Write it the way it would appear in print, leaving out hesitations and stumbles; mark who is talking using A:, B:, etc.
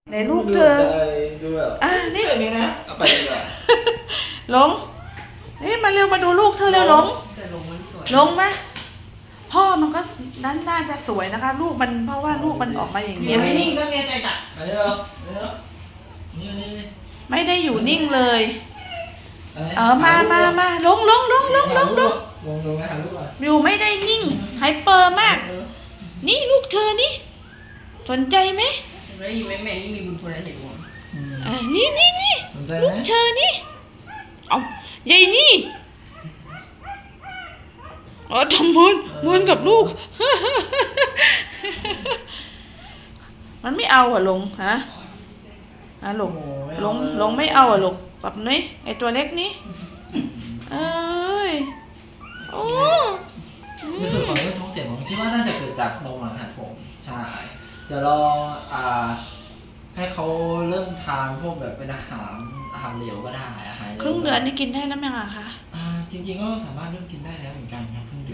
A: ในลูกเธอ
B: ดูแบบ
A: นี่
B: ใช่ไหมนะเอาไปดีกว่า
A: หลงนี่มาเร็วมาดูลูกเธอเร็วหลงหลงไหมพ่อมันก็น่าจะสวยนะคะ ลูกมันเพราะว่าลูกมันออกมาอย่างนี้
C: ไม่นิ่งก็เนี่ยใจจัด
B: นี่
A: ไม่ได้อยู่นิ่งเลยมาลงอยู่ไม่ได้นิ่งไฮเปอร์มากนี่ลูกเธอนี่สนใจไหม
C: ไม่อยู่แม่นี่มีบุญคุณอะไรเห็นมั้ง
A: นี่ลูกเธอนี่เอาใหญ่นี่ทำมวนกับลูกมันไม่เอาลงฮะลงไม่เอาลูกแบบนี้ไอตัวเล็กนี่เอ้ยโอ้
B: ในส่วนของเรื่องท้องเสียผมคิดว่าน่าจะเกิดจากนมอาหารผมใช่เดี๋ยวรอให้เขาเริ่มทานพวกแบบเป็นอาหารเหลวก็ได้อาหาร
A: ครึ่งเดือนนี่กินได้แล้วยังอะคะ
B: จริงๆก็สามารถเริ่มกินได้แล้วเหมือนกันครับ